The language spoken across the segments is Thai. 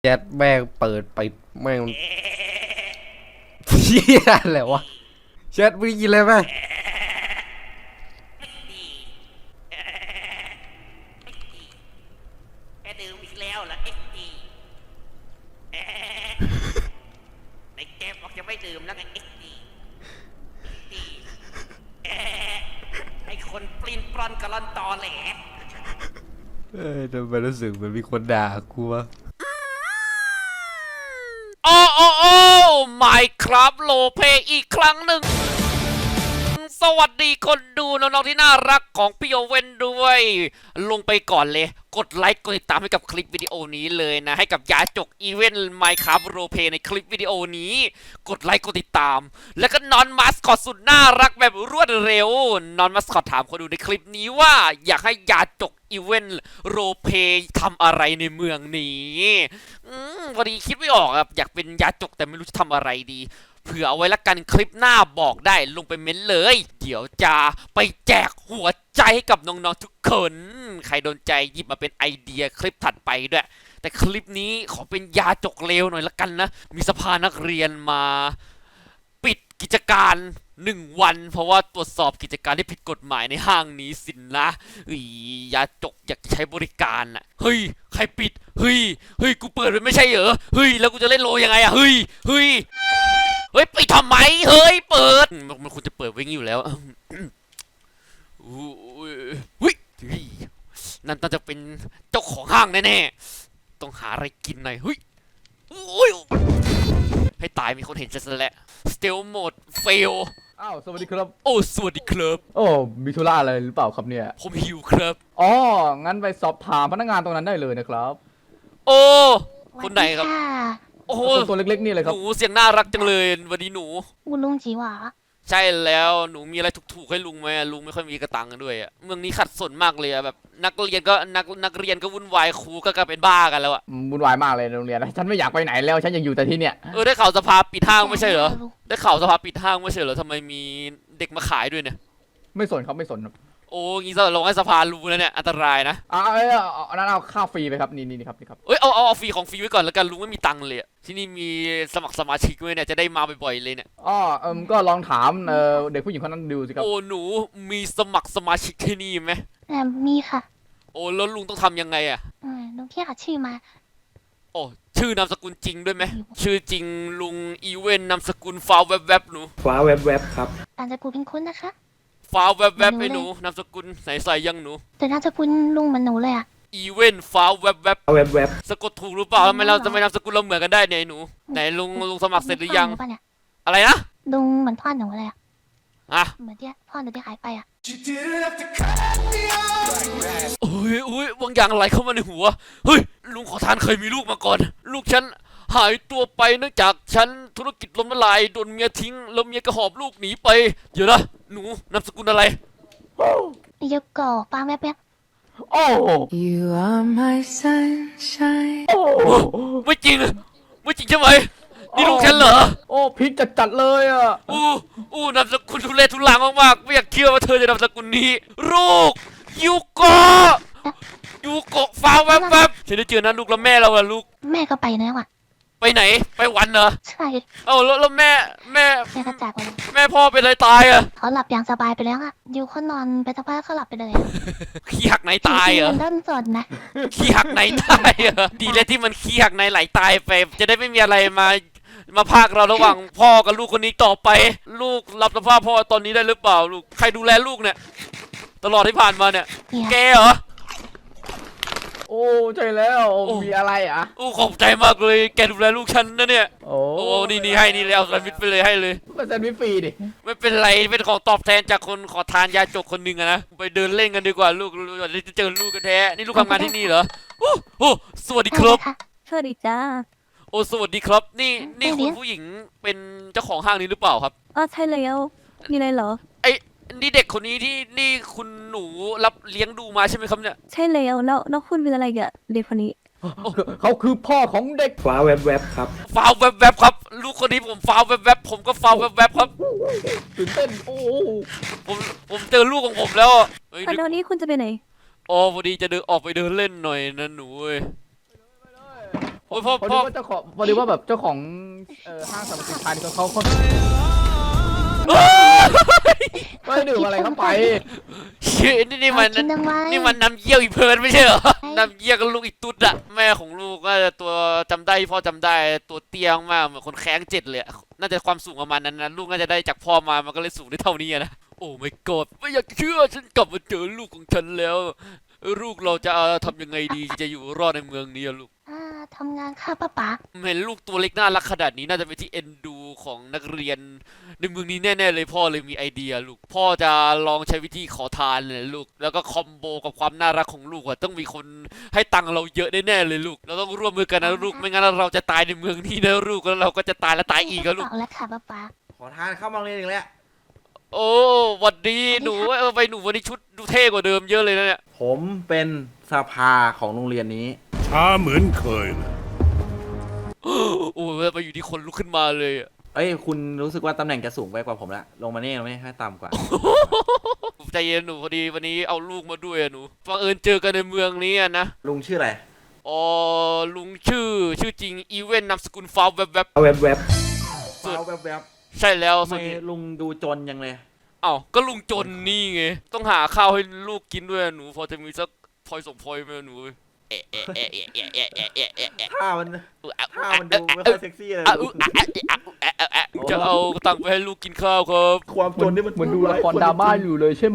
แชทแม่งเปิดไปแม่งเฮียอะไรวะแชทมึงยินเลยไหมแกดื่มอีกแล้วเหรอเอ็กดีในเกมบอกจะไม่ดื่มแล้วไงเอ็กดีไอคนปลิ้นปลอนกระลอนตอแหลทำไมรู้สึกเหมือนมีคนด่ากูวะโอ้ไม่ครับโลเพอีกครั้งหนึ่งสวัสดีคนดูน้องๆที่น่ารักของพี่โอเว่นด้วยลงไปก่อนเลยกดไลค์กดติดตามให้กับคลิปวิดีโอนี้เลยนะให้กับยาจกอีเวนต์ Minecraft Roleplay ในคลิปวิดีโอนี้กดไลค์กดติดตามแล้วก็นอนมาสคอตสุดน่ารักแบบรวดเร็วนอนมาสคอตถามคนดูในคลิปนี้ว่าอยากให้ยาจกอีเวนต์โรเพย์ทำอะไรในเมืองนี้พอดีคิดไม่ออกครับอยากเป็นยาจกแต่ไม่รู้จะทำอะไรดีเผื่อเอาไว้ละกันคลิปหน้าบอกได้ลงไปเม้นเลยเดี๋ยวจะไปแจกหัวใจให้กับน้องๆทุกคนใครโดนใจหยิบมาเป็นไอเดียคลิปถัดไปด้วยแต่คลิปนี้ขอเป็นยาจกเลวหน่อยละกันนะมีสภานักเรียนมาปิดกิจการ1 วันเพราะว่าตรวจสอบกิจการที่ผิดกฎหมายในห้างนี้สินนะยาจกอยากใช้บริการน่ะเฮ้ยใครปิดเฮ้ยกูเปิดไปไม่ใช่เหรอเฮ้ยแล้วกูจะเล่นโลยังไงอะเฮ้ยไปทำไมเฮ้ยเปิดมันควรจะเปิดไว้งี้อยู่แล้วเฮ้ยนั่นน่าจะเป็นเจ้าของห้างแน่ๆต้องหาอะไรกินหน่อยเฮ้ยให้ตายมีคนเห็นฉันซะแล้วสเตลโหมดเฟลอ้าวสวัสดีครับโอ้สวัสดีครับโอ้มีธุระอะไรหรือเปล่าครับเนี่ยผมหิวครับอ๋องั้นไปสอบถามพนักงานตรงนั้นได้เลยนะครับโอ้คนไหนครับโอ้โหคนตัวเล็กๆนี่เลยคหรับนูเสียงน่ารักจังเลยวันนี้หนูอุลุงจีหวาใช่แล้วหนูมีอะไรถูกๆให้ลุงไหมลุงไม่ค่อยมีกระตังด้วยอะเมืองนี้ขัดสนมากเลยอะแบบนักเรียนก็นักเรียนก็วุ่นวายครูก็กลายเป็นบ้ากันแล้วอะวุ่นวายมากเลยในโรงเรียนนะฉันไม่อยากไปไหนแล้วฉันยังอยู่แต่ที่เนี่ยได้ข่าวสภาปิดห้างไม่ใช่เหรอได้ข่าวสภาปิดห้างไม่ใช่เหรอทำไมมีเด็กมาขายด้วยเนี่ยไม่สนครับไม่สนครับโอ้งี้จะลงให้สภารู้แล้วเนี่ยอันตรายนะนั้นเอาข้าวฟรีไปครับนี่ครับนี่ครับเอาฟรีของฟรีไว้ก่อนแล้วกันลุงไม่มีตังค์เลยที่นี่มีสมัครสมาชิกไว้เนี่ยจะได้มาบ่อยๆเลยเนี่ยก็ลองถามเด็กผู้หญิงคนนั้นดูสิครับโอ้หนูมีสมัครสมาชิกที่นี่ไหมมีค่ะโอ้แล้วลุงต้องทำยังไงอะลุงแค่หาชื่อมาโอ้ชื่อนามสกุลจริงด้วยไหมชื่อจริงลุงอีเวนนามสกุลฟ้าแวบหนูฟ้าแวบครับนามสกุลเป็นคุณนะคะฟ้าแวบไอ้หนูนามสกุลใส่ยังหนูแต่นามสกุลลุงเหมือนหนูเลยอ่ะอีเวนฟ้าแวบแวบสะกดถูกหรือเปล่าทำไมนามสกุลเราเหมือนกันได้เนี่ยหนูไหนลุงสมัครเสร็จหรือยังอะไรนะลุงเหมือนพ่อหนูเลยอ่ะเหมือนที่พ่อหนูที่หายไปอ่ะโอ้ยบางอย่างไหลเข้ามาในหัวเฮ้ยลุงขอทานเคยมีลูกมาก่อนลูกฉันหายตัวไปเนื่องจากฉันธุรกิจล้มละลายโดนเมียทิ้งแล้วเมียก็หอบลูกหนีไปเดี๋ยวนะหนูนามสกุลอะไรเยอะก่อป้าแม่เป๊ะโอ้ You are my sunshine ไม่จริงใช่ไหมนี่ลูกฉันเหรอโอ้พิษจัดเลยอ่ะนามสกุลทุเรศทุลังมากๆไม่อยากเชื่อว่าเธอจะนามสกุลนี้ลูกยูโกฟ้าแวบฉันได้เจอนะลูกแล้วแม่เราอะลูกแม่ก็ไปแล้วอ่ะไปไหนไปวันเหรอใช่แล้วแม่ก็จากไปแม่พ่อเป็นอะไรตายอะเขาหลับอย่างสบายไปแล้วอ่ะยูเขานอนไปสักพักเขาหลับไปเลยขี้หักไหนตายเหรอเริ่มสดนะขี้หักไหนตายเหรอดีเลยที่มันขี้หักไหนไหลตายไปจะได้ไม่มีอะไรมาพากเราระหว่างพ่อกับลูกคนนี้ต่อไปลูกรับสภาพพ่อตอนนี้ได้หรือเปล่าลูกใครดูแลลูกเนี่ยตลอดที่ผ่านมาเนี่ยแกเหรอโอ้ใช่แล้วมีอะไรอ่ะขอบใจมากเลยแกดูแลลูกฉันนะเนี่ยโอ้นี่ให้นี่แล้วแซนด์วิชไปเลยให้เลยแซนด์วิชฟรีดิไม่เป็นไรเป็นของตอบแทนจากคนขอทานยาจกคนหนึ่งนะไปเดินเล่นกันดีกว่าลูกจะเจอลูกกันแท้นี่ลูกทำงานที่นี่เหรอโอ้สวัสดีครับสวัสดีจ้าโอ้สวัสดีครับนี่คุณผู้หญิงเป็นเจ้าของห้างนี้หรือเปล่าครับใช่แล้วมีอะไรเหรอนี่เด็กคนนี้ที่นี่คุณหนูรับเลี้ยงดูมาใช่ไหมครับเนี่ยใช่แล้วคุณเป็นอะไรกับเด็กคนนี้เขาคือพ่อของเด็กฟ้าแวบครับฟ้าแวบครับลูกคนนี้ผมฟ้าแวบผมก็ฟ้าแวบครับตื่นเต้นผมเจอลูกของผมแล้วตอนนี้คุณจะไปไหนพอดีจะออกไปเดินเล่นหน่อยนะหนูโอ้ยพ่อพอพ่ดีอว่าเจ้าของพอดีว่าแบบเจ้าของห้างสรรพสินค้านี่เขาไม่ดื่มอะไรเข้าไปเชี่ยนี่มันเอากินเอาไว้นี่มันน้ำเยี่ยวอีเพิร์นไม่ใช่เหรอน้ำเยี่ยวกับลูกอีตุ๊ดอะแม่ของลูกก็จะตัวจำได้พ่อจำได้ตัวเตี้ยมากเหมือนคนแข้งเจ็ดเลยอะน่าจะความสูงประมาณนั้นนะลูกน่าจะได้จากพ่อมามันก็เลยสูงได้เท่านี้อะนะโอ้ไม่กอดไม่อยากเชื่อฉันกลับมาเจอลูกของฉันแล้วลูกเราจะทำยังไงดีจะอยู่รอดในเมืองนี้อะลูกทำงานค่ะป้าป๋าเห็นลูกตัวเล็กน่ารักขนาดนี้น่าจะเป็นที่เอ็นดูของนักเรียนในเมืองนี้แน่ๆเลยพ่อเลยมีไอเดียลูกพ่อจะลองใช้วิธีขอทานเลยลูกแล้วก็คอมโบกับความน่ารักของลูกอะต้องมีคนให้ตังค์เราเยอะแน่ๆเลยลูกเราต้องร่วมมือกันนะลูกไม่งั้นเราจะตายในเมืองนี้นะลูกแล้วเราก็จะตายและตายอีกอะลูกบอกแล้วค่ะป้าป๋าขอทานเข้ามาโรงเรียนอีกแล้วโอ้หวัดดีหนูไปหนูวันนี้ชุดดูเท่กว่าเดิมเยอะเลยนะเนี่ยผมเป็นสภาของโรงเรียนนี้ช้าเหมือนเคยนะโอ้ไปอยู่ที่คนลุกขึ้นมาเลยอะเอ้ยคุณรู้สึกว่าตำแหน่งจะสูงไปกว่าผมละลงมานี่เราไม่ให้ต่ำกว่าใจเย็นหนูพอดีวันนี้เอาลูกมาด้วยอะหนูบังเอิญเจอกันในเมืองนี้อะนะลุงชื่ออะไรอ๋อลุงชื่อจริงอีเวนนามสกุลฟาวแวบเอาแวบฟ้าวแวบๆใช่แล้วๆส่ทำวนไมนี้ลุงดูจนยังเลยอ้าวก็ลุงจนนี่ไงต้องหาข้าวให้ลูกกินด้วยอะหนูพอจะมีสักพลอยส่งพลอยไหมอะหนูเอะเอะเอะเอะเอะเอะเอะเอะเอะเอะท่ามันดูไม่ค่อยเซ็กซี่เลยลุงจะเอาตังค์ไปให้ลูกกินข้าวครับความจนนี่มันเหมือนดูละครดราม่าอยู่เลยใช่ไหม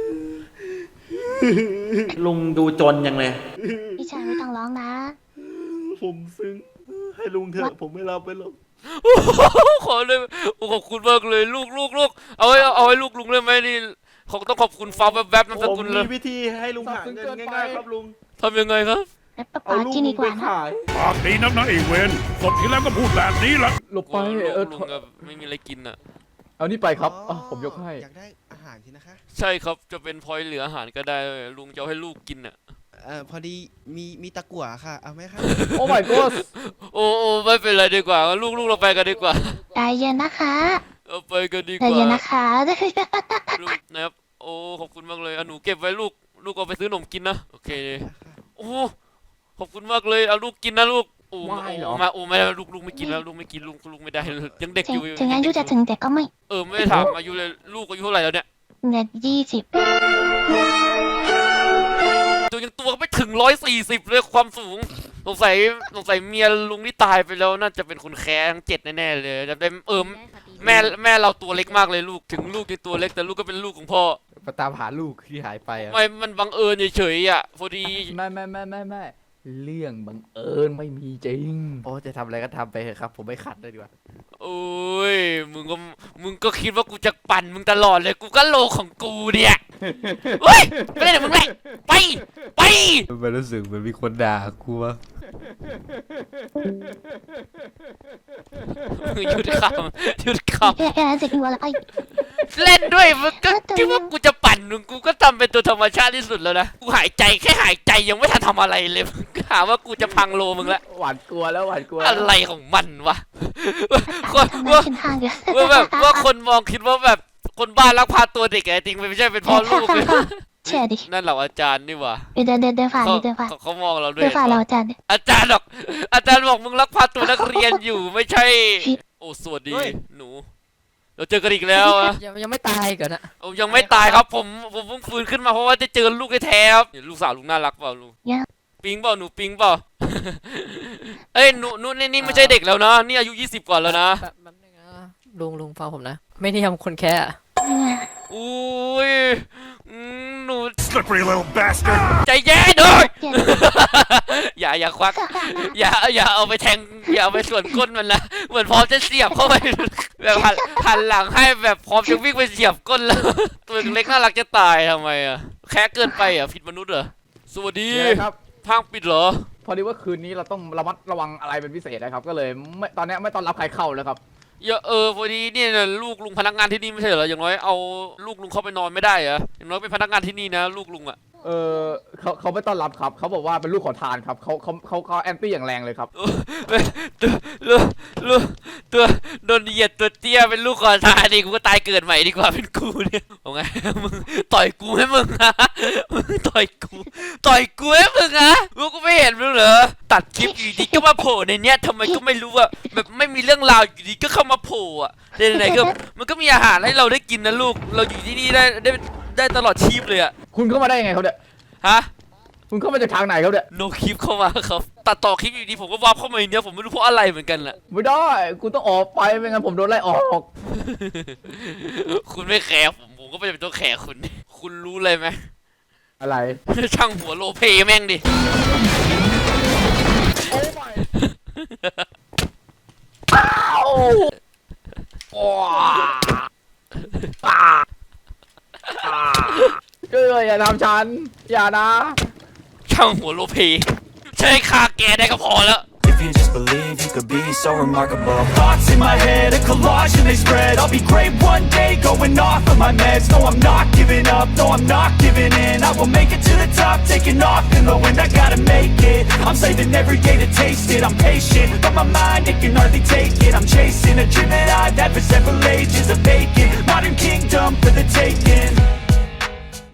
ลุงดูจนยังเลยพี่ชายไม่ต้องร้องนะผมซึ้งให้ลุงเถอะผมไม่รับไปหรอกขอเลยขอบคุณมากเลยลูกเอาให้ลูกลุงได้ไหมนี่เขาต้องขอบคุณฟาวแวบๆนามสผมกุลเลมียวิธีให้ลุงหาเงินง่ายๆครับลุงทำยังไงครับแล้วป้าเอาป๋าลูกกินลุดีงกไปว่านะขายปากดีนักนะไอ้เวนศพที่แล้วก็พูดแบบนี้ละหลบไปลุงอะไม่มีอะไรกินอ่ะเอานี่ไปครับผมยกให้อยากได้อาหารสินะคะใช่ครับจะเป็นพลอยเหลืออาหารก็ได้ลุงจะเอาให้ลูกกินอ่ะพอดีมีตะกั่วค่ะ เอาไหมคะโอ้ my god โอ้ไม่เป็นไรดีกว่าลูกเราไปกันดีกว่าใจเย็นนะคะเอาไปกันดีใจกว่าเย็นนะคะลูกนะครับโอ้ขอบคุณมากเลยหนูเก็บไว้ลูกเอาไปซื้อขนมกินนะโอเคโอ้ขอบคุณมากเลยเอาลูกกินนะลูกโอ้ไม่เหรอมาไม่ได้ลูกไม่กินแล้วลูกไม่กินลูกไม่ได้เลยยังเด็กอยู่ถึงอายุจะถึงแต่ก็ไม่ไม่ได้ถามอายุเลยลูกอายุเท่าไหร่แล้วเนี่ยเนี่ย20 ตัวก็ไม่ถึง140เลยความสูงสงสัยเมียลุงที่ตายไปแล้วน่าจะเป็นคนแค้ทั้ง7แน่ๆเลยจะได้แม่เราตัวเล็กมากเลยลูกถึงลูกยังตัวเล็กแต่ลูกก็เป็นลูกของพ่อไปตามหาลูกที่หายไปอะไม่มันบังเอิญเฉยๆอ่ะพอดีไม่เรื่องบังเอิญไม่มีจริงโอ้จะทำอะไรก็ทำไปเถอะครับ ผมไม่ขัดเลยดีกว่าโอ้ยมึงก็คิดว่ากูจะปั่นมึงตลอดเลยกูก็โลของกูเนี่ยเฮ้ยไม่ได้เดี๋ยวมึงเลยไปมันรู้สึกเหมือนมีคนด่ากูวะหยุดคำแค่นั้นเสร็จหัวแล้วไอ้เล่นด้วยมึงก็คิดว่ากูจะปั่นมึงกูก็ทำเป็นตัวธรรมชาติที่สุดแล้วนะกูหายใจแค่หายใจยังไม่ทันทำอะไรเลยมึงก็หาว่ากูจะพังโลมึงละหวานกลัวแล้วอะไรของมันวะนั่งขึ้นห้างเดี๋ยวว่าคนมองคิดว่าแบบคนบ้าลักพาตัวเด็กไงจริงไม่ใช่เป็นพ่อลูกเลยเชื่อดินั่นเหราอาจารย์นี่หว่าเดินผ่านเดินผ่านเขามองเราด้วเดิยนผ่านเราอาจารย์อาจารย์บอกมึงลักพาตัวนักเรียนอยู่ไม่ใช่ โอ้สวัสดีหนูเราเจอกันอีกแล้วอะยังไม่ตายก่อนนะยังไม่ตายครับผมเพิ่งฟื้นขึ้นมาเพราะว่าจะเจอลูกแท้ๆครับลูกสาวลุงน่ารักเปล่าลุงปิงเปล่าหนูปิงเปล่า เอ้ยหนูนี่ไม่ใช่เด็กแล้วนะนี่อายุ20กว่าแล้วนะแป๊บนึงนะลุงฟังผมนะ ไม่ได้ทำคนแค่อะอุ้ยหนู slippery little bastard ใจเย็นด้วยอย่าควักอย่าเอาไปแทงอย่าเอาไปส่วนก้นมันนะเหมือนพร้อมจะเสียบเข้าไปแบบหันหลังให้แบบพร้อมจะวิ่งไปเสียบก้นแล้วตัวเล็กน่ารักจะตายทำไมอ่ะแค่เกินไปอ่ะผิดมนุษย์เหรอสวัสดีครับห้างปิดเหรอพอดีว่าคืนนี้เราต้องระมัดระวังอะไรเป็นพิเศษนะครับ ก็เลยตอนนี้ไม่ต้อนรับใครเข้าแล้วครับอย่าพอดีเนี่ยลูกลุงพนักงานที่นี่ไม่ใช่เหรออย่างน้อยเอาลูกลุงเข้าไปนอนไม่ได้เหรออย่างน้อยเป็นพนักงานที่นี่นะลูกลุงอ่ะเขาไม่ต้อนรับครับเขาบอกว่าเป็นลูกขอทานครับเขาแอนตี้อย่างแรงเลยครับลูกตัวโดนเหยียดตัวเตี้ยเป็นลูกขอทานดิกูก็ตายเกิดใหม่ดีกว่าเป็นกูเนี่ยเอาไงมึงต่อยกูให้มึงฮะมึงต่อยกูให้มึงฮะมึงก็ไม่เห็นมึงเหรอตัดคลิปอยู่ดีก็มาโผล่ในเนี้ยทำไมก็ไม่รู้อะแบบไม่มีเรื่องราวอยู่ดีก็เข้ามาโผล่อะไหนๆก็มันก็มีอาหารให้เราได้กินนะลูกเราอยู่ที่นี่ได้ตลอดชีพเลยอะคุณเข้ามาได้ยังไงเขาเนี่ยฮะคุณเข้ามาจากทางไหนเขาเนี่ยโนคลิปเข้ามาครับตัดต่อคลิปอยู่ดีผมก็วาร์ปเข้ามาในเนี้ยผมไม่รู้เพราะอะไรเหมือนกันแหละไม่ได้ คุณต้องออกไปไม่งั้นผมโดนไล่ออกคุณไม่แคร์ผมก็ไม่จำเป็นต้องแคร์คุณคุณรู้เลยไหมอะไรช่างหัวโลเพแม่งดิอย่าทำฉัน อย่านะช่างหัวโลเพใช้ฆ่าแกได้ก็พอแล้ว If you just believe you could be so remarkable. Thoughts in my head, a collage and they spread. I'll be great one day, going off of my meds. No, I'm not giving up, no, I'm not giving in. I will make it to the top, taking off in the wind. I gotta make it, I'm saving every day to taste it. I'm patient, but my mind, it can hardly take it. I'm chasing a dream that I've had for several ages of vacant. Modern kingdom for the taking.